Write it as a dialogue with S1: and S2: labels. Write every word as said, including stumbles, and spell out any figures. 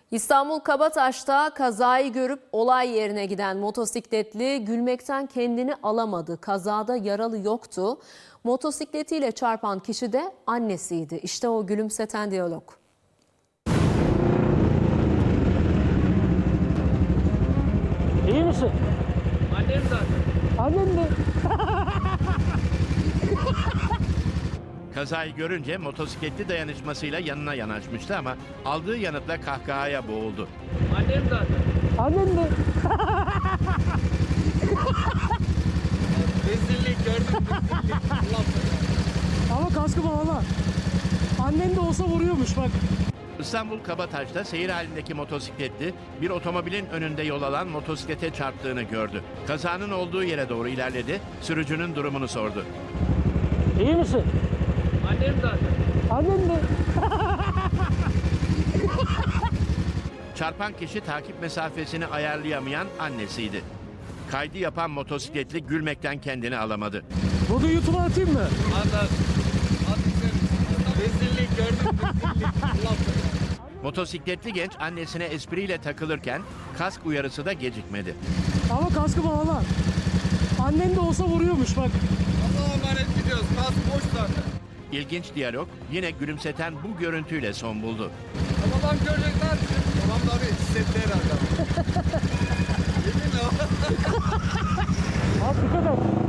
S1: İstanbul Kabataş'ta kazayı görüp olay yerine giden motosikletli gülmekten kendini alamadı. Kazada yaralı yoktu. Motosikletiyle çarpan kişi de annesiydi. İşte o gülümseten diyalog.
S2: İyi misin?
S3: Annem zaten.
S2: Annem mi?
S4: Kazayı görünce motosikletli dayanışmasıyla yanına yanaşmıştı ama aldığı yanıtla kahkahaya boğuldu.
S3: Annem zaten.
S2: Annem mi?
S3: Rezillik gördüm, rezillik. Allah belanı.
S2: Ama kaskı bağla. Annem de olsa vuruyormuş bak.
S4: İstanbul Kabataş'ta seyir halindeki motosikletli bir otomobilin önünde yol alan motosiklete çarptığını gördü. Kazanın olduğu yere doğru ilerledi, sürücünün durumunu sordu.
S2: İyi misin?
S3: Annem zaten.
S2: Annem mi?
S4: Çarpan kişi takip mesafesini ayarlayamayan annesiydi. Kaydı yapan motosikletli gülmekten kendini alamadı.
S2: Bunu YouTube'a atayım mı?
S3: Adam. Rezillik gördüm, rezillik. Allah belanı.
S4: Motosikletli genç annesine espriyle takılırken kask uyarısı da gecikmedi.
S2: Ama kaskı bağla. Annem de olsa vuruyormuş bak.
S3: Allah'a emanet gidiyoruz. Kask boş zaten.
S4: İlginç diyalog yine gülümseten bu görüntüyle son buldu.
S3: Babam görecekler. Babam da abi hissetti herhalde. Yemin o.
S2: Abi dikkat et.